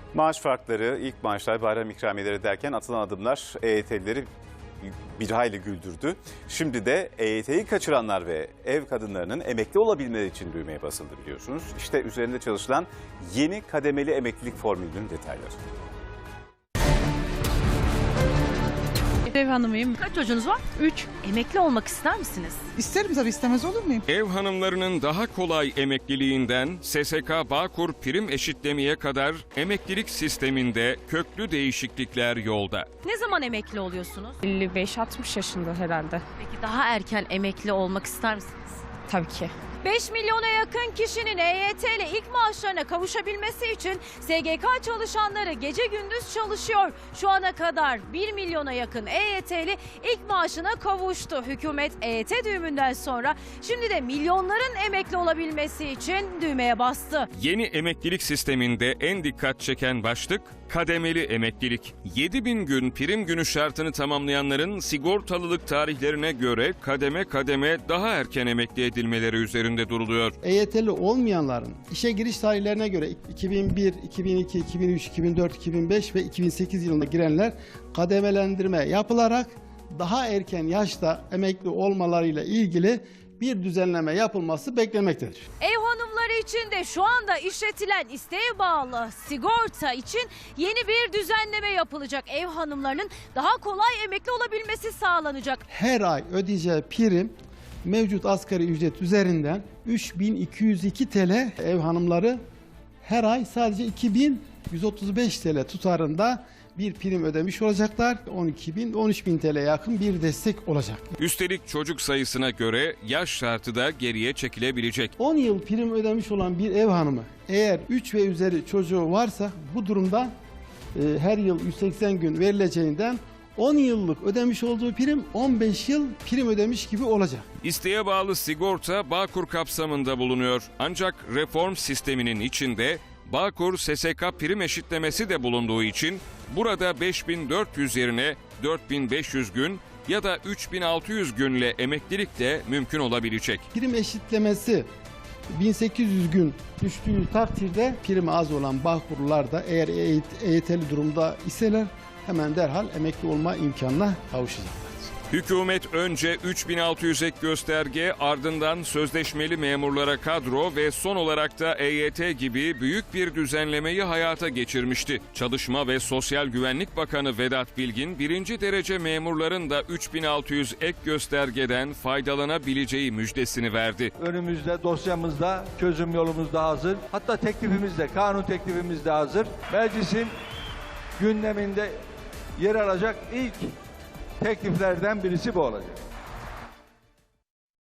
Maaş farkları, ilk maaşlar, bayram ikramiyeleri derken atılan adımlar EYT'lileri bir hayli güldürdü. Şimdi de EYT'yi kaçıranlar ve ev kadınlarının emekli olabilmeleri için düğmeye basıldı biliyorsunuz. İşte üzerinde çalışılan yeni kademeli emeklilik formülünün detayları. Ev hanımıyım. Kaç çocuğunuz var? 3. Emekli olmak ister misiniz? İsterim tabii, istemez olur muyum? Ev hanımlarının daha kolay emekliliğinden SSK Bağkur prim eşitlemeye kadar emeklilik sisteminde köklü değişiklikler yolda. Ne zaman emekli oluyorsunuz? 55-60 yaşında herhalde. Peki daha erken emekli olmak ister misiniz? Tabii ki. 5 milyona yakın kişinin EYT ile ilk maaşlarına kavuşabilmesi için SGK çalışanları gece gündüz çalışıyor. Şu ana kadar 1 milyona yakın EYT'li ilk maaşına kavuştu. Hükümet EYT düğümünden sonra şimdi de milyonların emekli olabilmesi için düğmeye bastı. Yeni emeklilik sisteminde en dikkat çeken başlık kademeli emeklilik. 7000 gün prim günü şartını tamamlayanların sigortalılık tarihlerine göre kademe kademe daha erken emekli edilmeleri üzerinde duruluyor. EYT'li olmayanların işe giriş tarihlerine göre 2001, 2002, 2003, 2004, 2005 ve 2008 yılında girenler kademelendirme yapılarak daha erken yaşta emekli olmalarıyla ilgili bir düzenleme yapılması beklenmektedir. Ev hanımları için de şu anda işletilen isteğe bağlı sigorta için yeni bir düzenleme yapılacak. Ev hanımlarının daha kolay emekli olabilmesi sağlanacak. Her ay ödeyeceği prim mevcut asgari ücret üzerinden 3202 TL, ev hanımları her ay sadece 2135 TL tutarında bir prim ödemiş olacaklar. 12.000-13.000 TL'ye yakın bir destek olacak. Üstelik çocuk sayısına göre yaş şartı da geriye çekilebilecek. 10 yıl prim ödemiş olan bir ev hanımı eğer 3 ve üzeri çocuğu varsa bu durumda her yıl 180 gün verileceğinden 10 yıllık ödemiş olduğu prim 15 yıl prim ödemiş gibi olacak. İsteğe bağlı sigorta Bağkur kapsamında bulunuyor. Ancak reform sisteminin içinde Bağkur SSK prim eşitlemesi de bulunduğu için burada 5400 yerine 4500 gün ya da 3600 günle emeklilik de mümkün olabilecek. Prim eşitlemesi 1800 gün düştüğü takdirde primi az olan Bağkurlular da eğer EYT'li durumda iseler hemen derhal emekli olma imkanına kavuşacaklar. Hükümet önce 3600 ek gösterge, ardından sözleşmeli memurlara kadro ve son olarak da EYT gibi büyük bir düzenlemeyi hayata geçirmişti. Çalışma ve Sosyal Güvenlik Bakanı Vedat Bilgin, birinci derece memurların da 3600 ek göstergeden faydalanabileceği müjdesini verdi. Önümüzde, dosyamızda, çözüm yolumuz da hazır. Hatta teklifimiz de, kanun teklifimiz de hazır. Meclisin gündeminde yer alacak ilk tekliflerden birisi bu olacak.